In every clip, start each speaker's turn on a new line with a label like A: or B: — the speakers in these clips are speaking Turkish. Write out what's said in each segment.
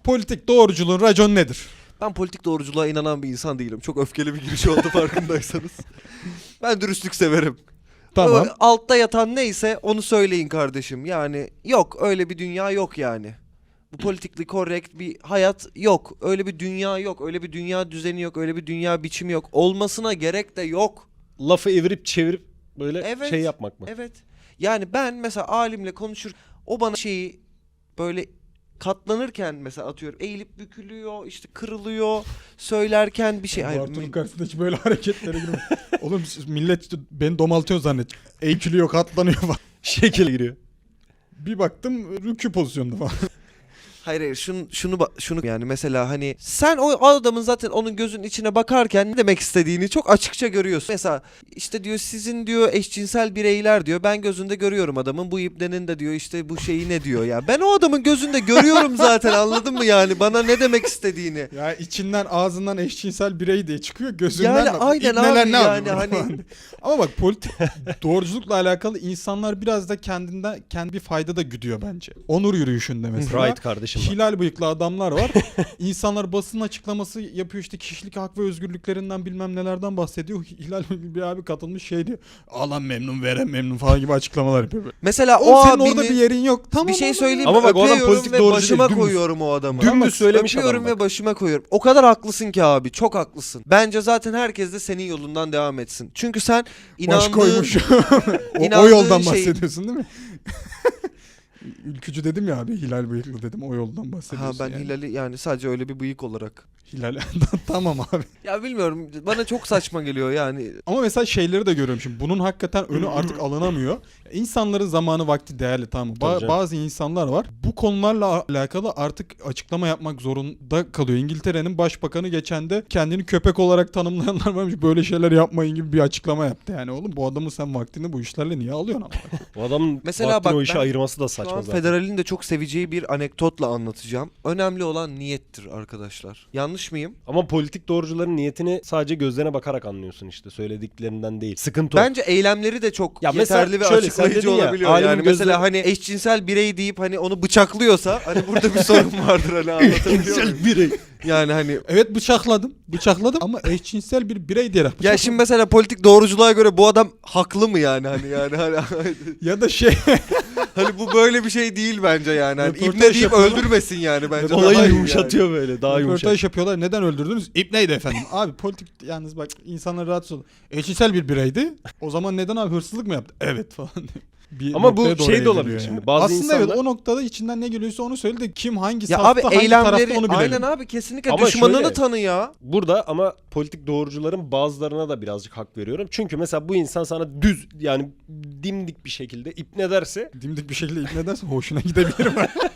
A: Politik doğruculuğun raconu nedir?
B: Ben politik doğruculuğa inanan bir insan değilim. Çok öfkeli bir giriş oldu farkındaysanız. Ben dürüstlük severim.
A: Tamam.
B: Altta yatan neyse onu söyleyin kardeşim. Yani yok, öyle bir dünya yok yani. Bu politically correct bir hayat yok. Öyle bir dünya yok. Öyle bir dünya düzeni yok. Öyle bir dünya biçimi yok. Olmasına gerek de yok.
C: Lafı evirip çevirip böyle
B: Evet,
C: şey yapmak mı?
B: Evet. Yani ben mesela alimle konuşur, o bana şeyi böyle katlanırken mesela atıyorum eğilip bükülüyor, işte kırılıyor, söylerken bir şey. Hayır,
A: Bartu'nun karşısındaki böyle hareketlere girme. Oğlum millet beni domaltıyor zannet. Eğkiliyor, katlanıyor falan.
C: Şekil giriyor.
A: Bir baktım rükû pozisyonunda falan.
B: hayır şunu yani mesela hani sen o adamın zaten onun gözünün içine bakarken ne demek istediğini çok açıkça görüyorsun. Mesela işte diyor sizin diyor eşcinsel bireyler diyor, ben gözünde görüyorum adamın, bu ibnenin de diyor işte bu şeyi ne diyor ya. Ben o adamın gözünde görüyorum zaten, anladın mı yani bana ne demek istediğini.
A: Ya içinden ağzından eşcinsel birey diye çıkıyor, gözünden
B: Yani
A: bak.
B: aynen
A: İbneler
B: abi
A: ne
B: yani
A: yapıyor
B: hani.
A: falan. Ama bak politik doğruculukla alakalı insanlar biraz da kendi bir fayda da güdüyor bence. Onur yürüyüşünde mesela.
C: Right kardeşim.
A: Hilal bıyıklı adamlar var. İnsanlar basın açıklaması yapıyor, işte kişilik hak ve özgürlüklerinden bilmem nelerden bahsediyor. Hilal bıyıklı bir abi katılmış şey diyor. Alan memnun, veren memnun falan gibi açıklamalar yapıyor.
B: Mesela o
A: Oğlum senin
B: abini
A: orada bir yerin yok. Tamam,
B: bir şey
A: oğlum.
B: söyleyeyim
C: Ama
B: mi?
C: bak o adam
B: Öpüyorum
C: politik
B: ve
C: doğrucu
B: başıma
C: değil,
B: koyuyorum o adamı.
C: Dümdüz söylemiş
B: Öpüyorum
C: adam bak.
B: ve başıma koyuyorum. O kadar haklısın ki abi, çok haklısın. Bence zaten herkes de senin yolundan devam etsin. Çünkü sen
A: Baş
B: inandığın
A: koymuş. o
B: inandığın
A: yoldan
B: şey-
A: bahsediyorsun değil mi? Ülkücü dedim ya abi, Hilal bıyıklı dedim, o yoldan bahsediyorsun.
B: Ha ben
A: yani.
B: Hilal'i yani sadece öyle bir bıyık olarak.
A: Hilal tamam abi.
B: Ya bilmiyorum, bana çok saçma geliyor yani.
A: Ama mesela şeyleri de görüyorum şimdi. Bunun hakikaten önü artık alınamıyor. İnsanların zamanı vakti değerli, tamam mı?
C: Tabii canım.
A: Bazı insanlar var. Bu konularla alakalı artık açıklama yapmak zorunda kalıyor. İngiltere'nin başbakanı geçen de kendini köpek olarak tanımlayanlar varmış. Böyle şeyler yapmayın gibi bir açıklama yaptı. Yani oğlum bu adamı sen vaktini bu işlerle niye alıyorsun ama?
C: O adamın
B: Mesela
C: vaktini
B: bak
C: o işe
B: ben
C: ayırması da
B: Şu
C: saçma
B: an
C: zaten.
B: Federal'in de çok seveceği bir anekdotla anlatacağım. Önemli olan niyettir arkadaşlar. Yanlış mıyım?
C: Ama politik doğrucuların niyetini sadece gözlerine bakarak anlıyorsun işte. Söylediklerinden değil. Sıkıntı o.
B: Bence eylemleri de çok
C: Ya mesela
B: yeterli ve
C: şöyle, sen
B: açıklayıcı
C: dedin ya,
B: olabiliyor.
C: alimin
B: Yani
C: gözleri-
B: mesela hani eşcinsel birey deyip hani onu bıçaklıyorsa hani burada bir sorun vardır, hani anlatabiliyor muyum?
C: birey.
B: Yani hani
A: Evet, bıçakladım ama eşcinsel bir birey diyerek
B: ya
A: bıçakladım.
B: şimdi mesela politik doğruculuğa göre bu adam haklı mı yani hani
A: Ya da şey
B: hani bu böyle bir şey değil bence yani. Hani
A: Röportaj
B: İbne deyip
A: yapıyorlar.
B: öldürmesin yani bence.
C: Olayı
B: Daha iyi
C: yumuşatıyor böyle. Daha yumuşak.
A: röportaj yapıyorlar. Neden öldürdünüz? İbneydi efendim. Abi politik, yalnız bak insanlar rahatsız oldu. Eşcinsel bir bireydi. O zaman neden abi, hırsızlık mı yaptı? Evet falan diyor. Bir
C: Ama bu
A: noktaya doğru
C: şey de
A: evriliyor
C: olabilir
A: yani.
C: şimdi. Bazı
A: Aslında evet,
C: insanlar-
A: o noktada içinden ne geliyorsa onu söyle de kim hangi
B: Ya
A: safta
B: abi
A: hangi tarafta
B: eylemleri
A: onu bilelim.
B: aynen abi, kesinlikle
C: Ama
B: düşmanını
C: şöyle-
B: tanı ya.
C: Burada ama politik doğrucuların bazılarına da birazcık hak veriyorum. Çünkü mesela bu insan sana düz, yani dimdik bir şekilde ipne derse,
A: Dimdik bir şekilde ikna edersen hoşuna gidebilirim.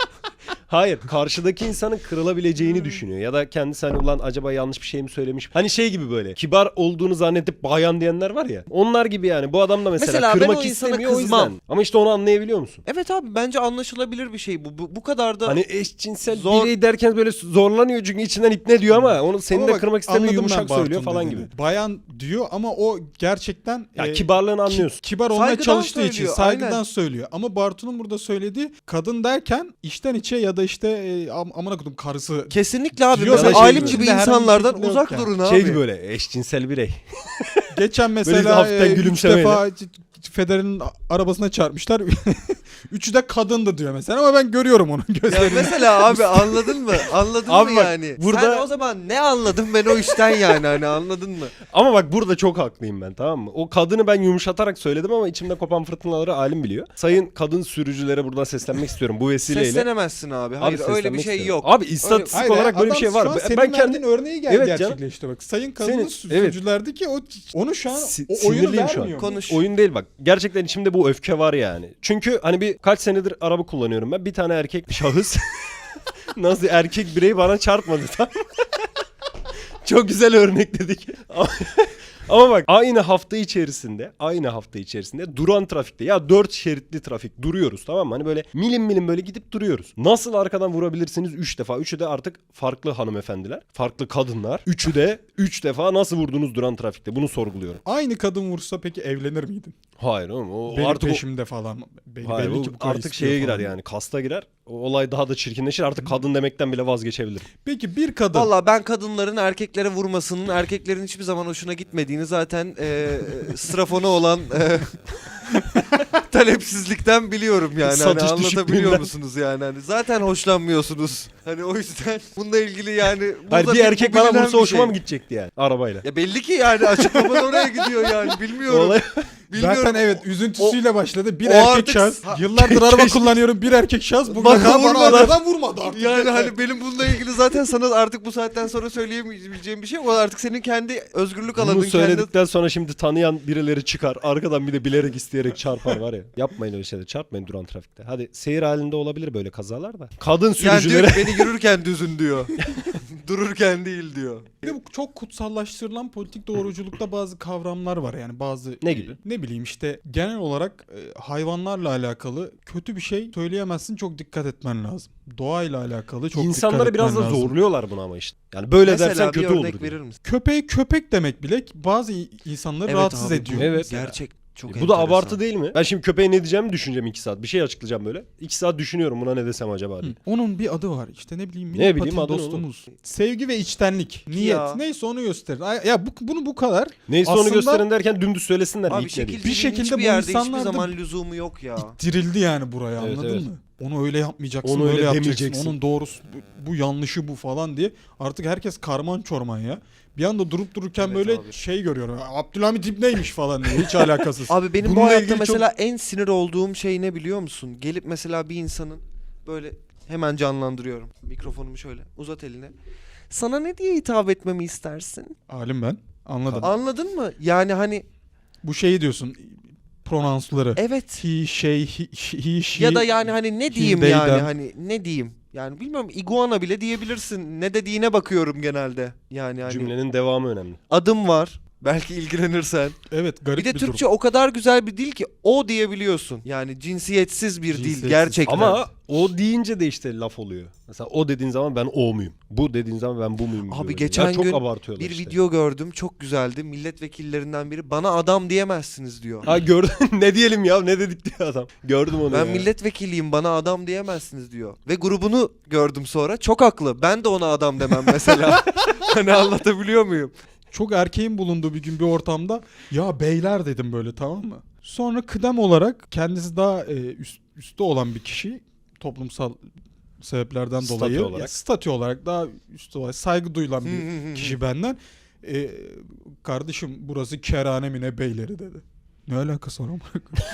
C: hayır, karşıdaki insanın kırılabileceğini düşünüyor. Ya da kendisi hani ulan acaba yanlış bir şey mi söylemiş? Hani şey gibi böyle kibar olduğunu zannedip bayan diyenler var ya. Onlar gibi yani. Bu adam da mesela
B: ben
C: kırmak
B: o insana
C: istemiyor o
B: kızmam.
C: yüzden. Ama işte onu anlayabiliyor musun?
B: Evet abi, bence anlaşılabilir bir şey bu kadar da
C: Hani eşcinsel
B: Zor-
C: birey derken böyle zorlanıyor çünkü içinden ipne diyor ama onu senin
A: Ama
C: de
A: bak,
C: kırmak istemiyor,
A: anladım
C: yumuşak
A: ben
C: söylüyor
A: Bartu'nun
C: falan
A: dediğini.
C: gibi.
A: Bayan diyor ama o gerçekten
C: Ya kibarlığını anlıyorsun.
A: kibar olmaya
B: Saygıdan
A: çalıştığı için
B: söylüyor,
A: saygıdan
B: aynen.
A: söylüyor. Ama Bartu'nun burada söylediği kadın derken içten içe ya da işte amına kodum karısı.
B: kesinlikle abi.
A: Diyor
B: Mesela
C: da şey
B: alim
C: gibi.
B: gibi
A: İçinde herhangi bir
B: insanlardan
A: şekilde yok
B: uzak
A: yani.
B: durun abi.
C: Şey gibi böyle eşcinsel birey.
A: Geçen
C: Böyle
A: mesela
C: hafiften
A: 3
C: gülümsemeyle.
A: defa Federer'in arabasına çarpmışlar. Üçü de kadındı diyor mesela, ama ben görüyorum onun
B: Ya
A: gözlerini.
B: mesela abi anladın mı? Anladın
C: Abi
B: mı
C: bak,
B: yani?
C: burada-
B: Sen o zaman ne anladın ben o işten yani, hani anladın mı?
C: Ama bak burada çok haklıyım ben, tamam mı? O kadını ben yumuşatarak söyledim ama içimde kopan fırtınaları alim biliyor. Sayın kadın sürücülere buradan seslenmek istiyorum bu vesileyle.
B: Seslenemezsin abi. Hayır öyle bir
C: seslenmek
B: şey
C: istiyorum.
B: yok.
C: Abi istatistik
A: Hayır,
C: olarak böyle bir
A: adam
C: şey var.
A: Şu an senin
C: Ben kendi
A: verdiğin örneği
C: Evet canım.
A: gerçekleşti bak. Sayın kadının
C: Senin- evet.
A: sürücülerdi ki onu şu an o oyunu
C: sinirliyim şu an.
A: vermiyor.
B: Konuş.
C: Oyun değil bak. Gerçekten içimde bu öfke var yani. Çünkü hani bir kaç senedir araba kullanıyorum ben. Bir tane erkek bir şahıs nasıl erkek birey bana çarpmadı tam. Çok güzel örnekledik. Ama bak aynı hafta içerisinde duran trafikte ya 4 şeritli trafik duruyoruz, tamam mı? Hani böyle milim milim böyle gidip duruyoruz. Nasıl arkadan vurabilirsiniz 3 defa? Üçü de artık farklı hanımefendiler, farklı kadınlar. Üçü de 3 defa nasıl vurdunuz duran trafikte? Bunu sorguluyorum.
A: Aynı kadın vursa peki evlenir miydin?
C: Hayır oğlum o
A: Benim
C: artık
A: peşimde falan.
C: hayır,
A: Belli
C: o
A: ki bu kadar
C: artık
A: istiyor
C: şeye girer
A: falan.
C: yani, kasta girer. o olay daha da çirkinleşir. Artık kadın demekten bile vazgeçebilirim.
A: Peki bir kadın.
B: Valla ben kadınların erkeklere vurmasının, erkeklerin hiçbir zaman hoşuna gitmediğini zaten strafona olan talepsizlikten biliyorum yani. Hani
C: Satış
B: anlatabiliyor
C: düşüklüğünden.
B: musunuz yani? Hani zaten hoşlanmıyorsunuz. Hani o yüzden bununla ilgili yani.
C: Hayır,
B: burada
C: bir erkek bana
B: bilinen
C: vursa
B: bir
C: hoşuma
B: şey.
C: mı gidecekti yani arabayla?
B: Ya belli ki yani açıklaman oraya gidiyor yani. Bilmiyorum.
C: Olay-
B: Bilmiyorum.
A: Zaten evet üzüntüsüyle başladı. Bir
B: o
A: erkek
B: artık-
A: şahıs.
B: Ha-
A: Yıllardır araba kullanıyorum. Bir erkek şahıs. Bugüne
B: Bana
A: kadar bana
B: vurmadı.
A: arkadan vurmadı artık.
B: Yani
A: yeter.
B: hani benim bununla ilgili zaten sana artık bu saatten sonra söyleyemeyeceğim bir şey. O artık senin kendi özgürlük alanın.
C: Bunu
B: Kendi...
C: söyledikten sonra şimdi tanıyan birileri çıkar. Arkadan bir de bilerek isteyerek çarpar var ya. Yapmayın öyle şeyler. Çarpmayın duran trafikte. Hadi seyir halinde olabilir böyle kazalar da. Kadın
B: Yani diyor
C: sürücülere...
B: ki beni yürürken düzün diyor. Dururken değil diyor.
A: Bir de bu çok kutsallaştırılan politik doğruculukta bazı kavramlar var yani bazı
C: Ne gibi?
A: Ne bileyim işte genel olarak hayvanlarla alakalı kötü bir şey söyleyemezsin, çok dikkat etmen lazım. Doğayla alakalı çok
C: İnsanları
A: dikkat
C: biraz da
A: etmen lazım.
C: zorluyorlar buna ama işte. Yani böyle
B: Mesela
C: dersen
B: bir
C: kötü
B: örnek
C: olur.
B: verir misin?
A: Köpeğe köpek demek bile bazı insanları rahatsız
B: abi,
A: ediyor.
C: Evet.
B: Gerçek çok
C: Bu da
B: enteresan.
C: abartı değil mi? Ben şimdi köpeğe ne diyeceğimi düşüneceğim 2 saat. Bir şey açıklayacağım böyle. 2 saat düşünüyorum buna ne desem acaba diye.
A: Hı. Onun bir adı var işte ne bileyim.
C: Ne bileyim,
A: Patin
C: adı ne
A: dostumuz. Sevgi ve içtenlik. Niyet.
B: Ya.
A: Neyse onu gösterir. Ya bunu bu kadar.
C: Neyse
A: Aslında-
C: onu gösterin derken dümdüz söylesinler.
B: Abi
C: ilk ne diyeyim.
A: Bir şekilde
B: hiçbir
A: bu
B: yerde hiçbir
A: insanlar da-
B: zaman lüzumu yok ya.
A: İttirildi yani buraya,
C: Evet,
A: anladın
C: evet.
A: mı? Onu öyle yapmayacaksın,
C: Onu
A: böyle
C: öyle
A: yapacaksın.
C: demeyeceksin.
A: Onun doğrusu bu yanlışı bu falan diye. Artık herkes karman çorman ya. Bir anda durup dururken
B: Evet
A: böyle
B: abi.
A: şey görüyorum. Abdülhamit İbni'ymiş falan diye. Hiç alakasız.
B: Abi benim bu
A: Bununla
B: hayatta
A: ilgili
B: mesela en sinir olduğum şey ne biliyor musun? Gelip mesela bir insanın böyle hemen canlandırıyorum. Mikrofonumu şöyle uzat eline. Sana ne diye hitap etmemi istersin?
A: Alim ben. Anladım.
B: Anladın mı? Yani hani
A: Bu şeyi diyorsun. Pronansları.
B: evet.
A: He, şey, he, she.
B: Ya da yani hani ne diyeyim
A: they,
B: yani
A: them.
B: hani ne diyeyim? Yani bilmiyorum, iguana bile diyebilirsin. Ne dediğine bakıyorum genelde. Yani hani
C: Cümlenin devamı önemli.
B: adım var. Belki ilgilenirsen.
A: Evet, garip
B: Bir de
A: durum.
B: Türkçe o kadar güzel bir dil ki o diyebiliyorsun. Yani cinsiyetsiz bir dil
A: Cinsiyetsiz.
B: gerçekten.
C: Ama o deyince de işte laf oluyor. Mesela o dediğin zaman ben o muyum? Bu dediğin zaman ben bu muyum?
B: Abi
C: diyor.
B: geçen
C: Ya çok
B: gün
C: abartıyorlar
B: bir
C: işte.
B: video gördüm, çok güzeldi. Milletvekillerinden biri bana adam diyemezsiniz diyor.
C: Ha gördün ne diyelim ya ne dedik diyor adam. Gördüm onu
B: Ben
C: ya.
B: milletvekiliyim, bana adam diyemezsiniz diyor. Ve grubunu gördüm sonra. Çok haklı. Ben de ona adam demem mesela. Hani anlatabiliyor muyum?
A: Çok erkeğin bulunduğu bir gün bir ortamda ya beyler dedim böyle, tamam mı? Sonra kıdem olarak kendisi daha üstte olan bir kişi, toplumsal sebeplerden
C: Statü
A: dolayı
C: olarak.
A: ya, statü olarak daha üstte olarak saygı duyulan bir kişi benden kardeşim burası kerane mi ne beyleri dedi. Ne alakası var ama?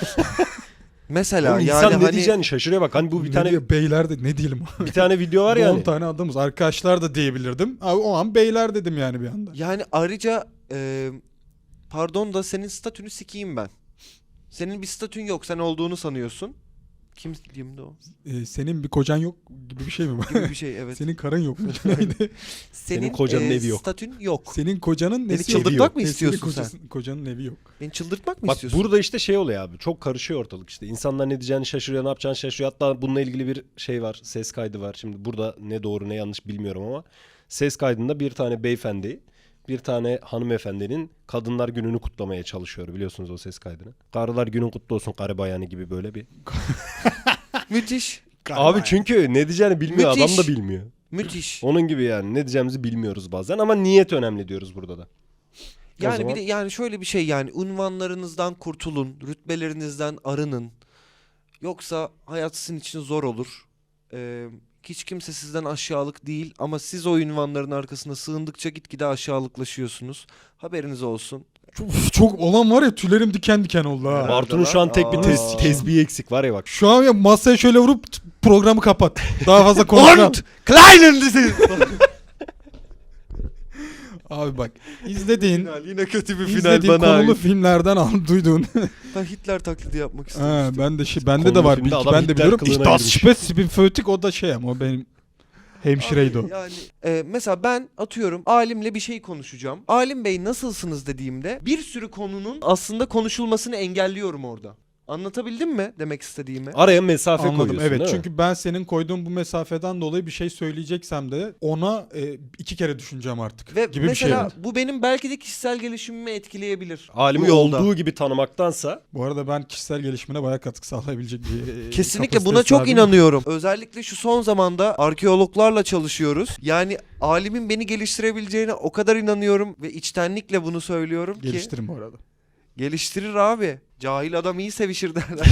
B: Mesela
C: Oğlum
B: yani
C: insan ne
B: hani
C: diyeceğini şaşırıyor bak. Hani bu bir
A: Ne
C: tane
A: diyor, beyler de ne diyelim?
C: bir tane video var
A: 10
C: yani.
A: tane adamız, arkadaşlar da diyebilirdim. Abi, o an beyler dedim yani bir anda.
B: yani ayrıca pardon da senin statünü sikeyim ben. Senin bir statün yok. Sen olduğunu sanıyorsun. Kimdi o?
A: Senin bir kocan yok gibi bir şey mi var?
B: Gibi bir şey evet.
A: Senin karın yok mu? Neydi?
B: Senin
C: kocanın evi yok.
B: Statün yok.
A: Senin kocanın
B: Beni
A: nesi yok?
B: çıldırtmak mı
A: Senin
B: istiyorsun sen?
A: Kocanın evi yok.
B: Beni çıldırtmak mı
C: Bak
B: istiyorsun?
C: burada işte şey oluyor abi. Çok karışıyor ortalık işte. İnsanlar ne diyeceğini şaşırıyor, ne yapacağını şaşırıyor. Hatta bununla ilgili bir şey var. Ses kaydı var. Şimdi burada ne doğru ne yanlış bilmiyorum ama ses kaydında bir tane beyefendi, bir tane hanımefendinin Kadınlar Günü'nü kutlamaya çalışıyor, biliyorsunuz o ses kaydını. Karılar günün kutlu olsun karı bayanı gibi böyle bir.
B: Müthiş.
C: Abi çünkü ne diyeceğini bilmiyor,
B: Müthiş.
C: adam da bilmiyor.
B: Müthiş.
C: Onun gibi yani ne diyeceğimizi bilmiyoruz bazen ama niyet önemli diyoruz burada da. O
B: Yani
C: zaman-
B: bir de yani şöyle bir şey, yani unvanlarınızdan kurtulun, rütbelerinizden arının. Yoksa hayat sizin için zor olur. Hiç kimse sizden aşağılık değil ama siz o unvanların arkasına sığındıkça gitgide aşağılıklaşıyorsunuz. Haberiniz olsun.
A: Çok olan var ya, tüylerim diken diken oldu ha.
B: Evet.
C: Bartu'nun şu an tek bir
B: Aa.
C: tezbihi eksik var ya bak.
A: Şu an ya masaya şöyle vurup programı kapat. Daha fazla konuşmam.
B: Und kleinen dizi.
A: Abi bak, izlediğin
B: Final, yine kötü bir final
A: izlediğin
B: bana
A: konulu
B: ait.
A: filmlerden duyduğun.
B: Ben Hitler taklidi yapmak
A: Ha,
B: istemiştim.
A: ben de bende
C: Konulu
A: de var.
C: filmde
A: Bilgi
C: adam
A: ben de
C: Hitler
A: biliyorum.
C: kılığına
A: Ich das
C: girmiş.
A: Spezifik o da şey ama o benim hemşireydi o.
B: Abi yani mesela ben atıyorum alimle bir şey konuşacağım. Alim bey nasılsınız dediğimde bir sürü konunun aslında konuşulmasını engelliyorum orada. Anlatabildim mi demek istediğimi?
C: Araya mesafe
A: Anladım,
C: koyuyorsun
A: evet,
C: değil mi?
A: çünkü ben senin koyduğun bu mesafeden dolayı bir şey söyleyeceksem de ona 2 kere düşüneceğim artık
B: Ve
A: gibi bir şey
B: mesela
A: var.
B: bu benim belki de kişisel gelişimimi etkileyebilir.
C: Alimi
B: bu yolda.
C: olduğu gibi tanımaktansa
A: Bu arada ben kişisel gelişimine bayağı katkı sağlayabilecek bir
B: Kesinlikle
A: kapasiteye
B: buna çok
A: sahibim.
B: inanıyorum. Özellikle şu son zamanda arkeologlarla çalışıyoruz. Yani alimin beni geliştirebileceğine o kadar inanıyorum ve içtenlikle bunu söylüyorum ki.
A: Geliştirin bu arada.
B: Geliştirir abi. Cahil adam iyi sevişir derler.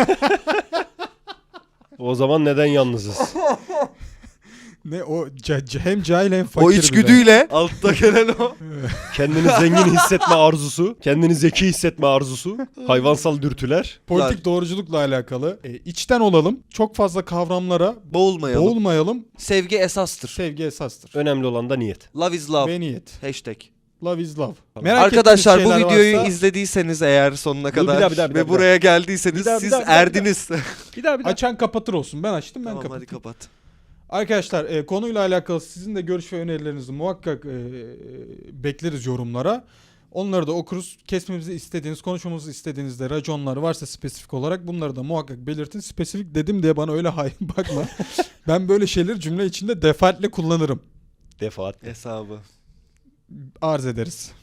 C: o zaman neden yalnızız?
A: Ne o hem cahil hem fakir
B: O
A: bir de.
B: içgüdüyle altta gelen o.
C: Kendini zengin hissetme arzusu, kendini zeki hissetme arzusu, hayvansal dürtüler.
A: Politik doğruculukla alakalı. İçten olalım. Çok fazla kavramlara
B: Boğulmayalım.
A: boğulmayalım.
B: Sevgi esastır.
A: Sevgi esastır.
C: Önemli olan da niyet.
B: Love is love.
A: Ve niyet.
B: Hashtag.
A: Love is love.
B: Arkadaşlar bu
A: ettiğiniz şeyler
B: videoyu
A: varsa
B: izlediyseniz eğer sonuna
C: bir
B: kadar
C: daha,
B: ve buraya geldiyseniz siz erdiniz.
C: Bir daha.
A: açan kapatır olsun. Ben açtım, ben
B: Tamam
A: kapatayım.
B: hadi kapat.
A: Arkadaşlar konuyla alakalı sizin de görüş ve önerilerinizi muhakkak bekleriz yorumlara. Onları da okuruz. Kesmemizi istediğiniz, konuşmamızı istediğinizde raconlar varsa spesifik olarak bunları da muhakkak belirtin. Spesifik dedim diye bana öyle hain bakma. Ben böyle şeyleri cümle içinde defaatle kullanırım.
C: Defaat.
B: Hesabı.
A: Arz ederiz.